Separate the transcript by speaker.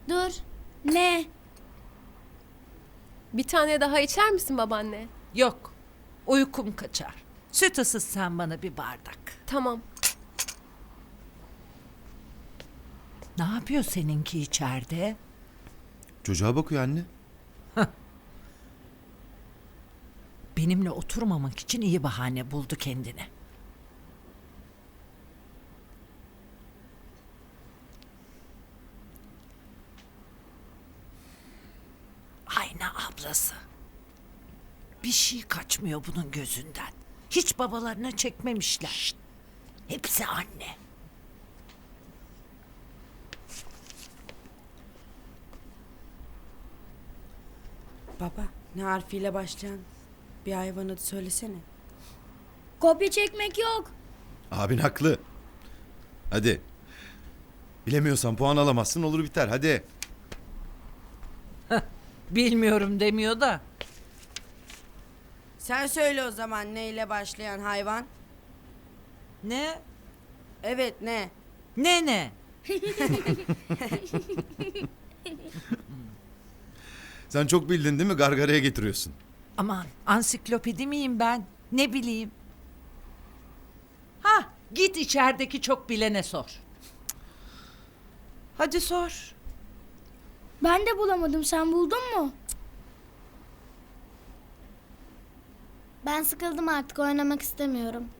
Speaker 1: Dur. Ne?
Speaker 2: Bir tane daha içer misin babaanne?
Speaker 3: Yok. Uykum kaçar. Süt ısıt sen bana bir bardak.
Speaker 2: Tamam.
Speaker 3: Ne yapıyor seninki içeride?
Speaker 4: Çocuğa bakıyor anne.
Speaker 3: Benimle oturmamak için iyi bahane buldu kendine. Ayna ablası. Bir şey kaçmıyor bunun gözünden. Hiç babalarına çekmemişler. Şşt! Hepsi anne.
Speaker 5: Baba, ne harfiyle başlayan bir hayvan adı söylesene.
Speaker 1: Kopya çekmek yok.
Speaker 4: Abin haklı. Hadi. Bilemiyorsan puan alamazsın, olur biter, hadi.
Speaker 3: Bilmiyorum demiyor da.
Speaker 5: Sen söyle o zaman neyle başlayan hayvan?
Speaker 3: Ne?
Speaker 5: Evet ne?
Speaker 3: Ne?
Speaker 4: Sen çok bildin değil mi? Gargaraya getiriyorsun.
Speaker 3: Aman ansiklopedi miyim ben? Ne bileyim. Ha, git içerideki çok bilene sor. Hadi sor.
Speaker 1: Ben de bulamadım. Sen buldun mu? Ben sıkıldım artık. Oynamak istemiyorum.